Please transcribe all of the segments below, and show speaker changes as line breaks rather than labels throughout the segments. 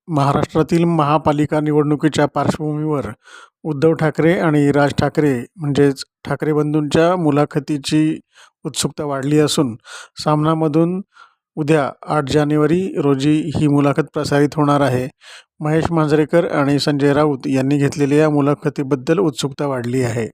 महाराष्ट्रातील महापालिका निवडणुकीच्या पार्श्वभूमीवर उद्धव ठाकरे आणि राज ठाकरे म्हणजेच ठाकरे बंधूंच्या मुलाखतीची उत्सुकता वाढली असून सामनामधून उद्या 8 जानेवारी रोजी ही मुलाखत प्रसारित होणार आहे. महेश मांजरेकर आणि संजय राऊत यांनी घेतलेल्या या मुलाखतीबद्दल उत्सुकता वाढली आहे.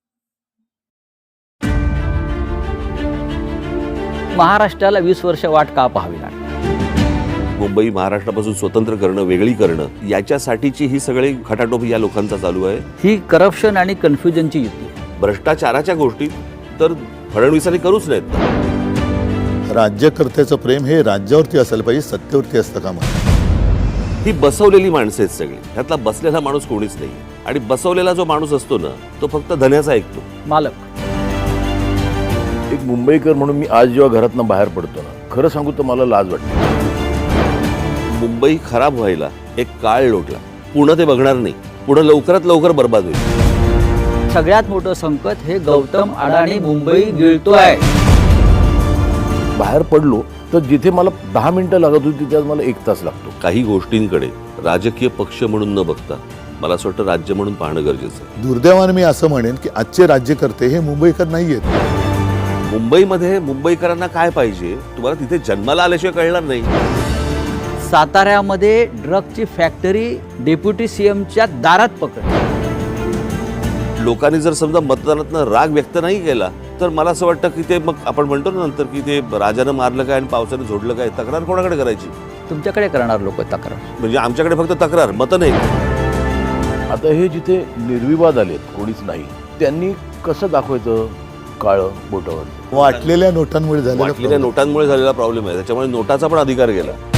महाराष्ट्राला 20 वर्ष वाट का पाहावी लागली?
मुंबई महाराष्ट्रापासून स्वतंत्र करणं, वेगळी करणं, याच्यासाठीची ही सगळी खटाटोप या लोकांचा चालू आहे.
ही करप्शन आणि कन्फ्युजनची युती आहे.
भ्रष्टाचाराच्या गोष्टी तर फडणवीसांनी करूच नाहीत.
राज्यकर्त्याचं प्रेम हे राज्यावरती असायला पाहिजे, सत्तेवरती असतं कामा नये.
ही बसवलेली माणसं आहेत सगळी. ह्यातला बसलेला माणूस कोणीच नाही. आणि बसवलेला जो माणूस असतो ना, तो फक्त धन्याचा ऐकतो.
मालक
एक मुंबईकर म्हणून मी आज जेव्हा घरातनं बाहेर पडतो ना, खरं सांगू तर मला लाज वाटते.
मुंबई खराब व्हायला एक काळ लोटला. पुढं ते बघणार नाही. पुढं लवकरात लवकर बर्बाद होईल.
सगळ्यात मोठं संकट हे गौतम अडाणी मुंबई गिळतोय.
बाहेर पडलो तर जिथे मला 10 मिनिटं लागत होती तिथे मला 1 तास लागतो.
काही गोष्टींकडे राजकीय पक्ष म्हणून न बघता मला असं वाटतं राज्य म्हणून पाहणं गरजेचं आहे.
दुर्दैवाने मी असं म्हणेन की आजचे राज्यकर्ते हे मुंबईकर नाही आहेत.
मुंबईमध्ये मुंबईकरांना काय पाहिजे तुम्हाला तिथे जन्माला आल्याशिवाय कळणार नाही.
साताऱ्यामध्ये ड्रगची फॅक्टरी डेप्युटी सीएमच्या दारात पकडली.
लोकांनी जर समजा मतदानातनं राग व्यक्त नाही केला तर मला असं वाटतं की ते मग आपण म्हणतो ना नंतर की ते राजानं मारलं काय आणि पावसानं झोडलं काय. तक्रार कोणाकडे करायची?
तुमच्याकडे करणार लोक तक्रार.
म्हणजे आमच्याकडे फक्त तक्रार, मतं नाही.
आता हे जिथे निर्विवाद आलेत, कोणीच नाही, त्यांनी कसं दाखवायचं काळं बोटावर?
वाटलेल्या नोटांमुळे झालेला
वाटलेल्या नोटांमुळे झालेला प्रॉब्लेम आहे. त्याच्यामुळे नोटाचा पण अधिकार गेला.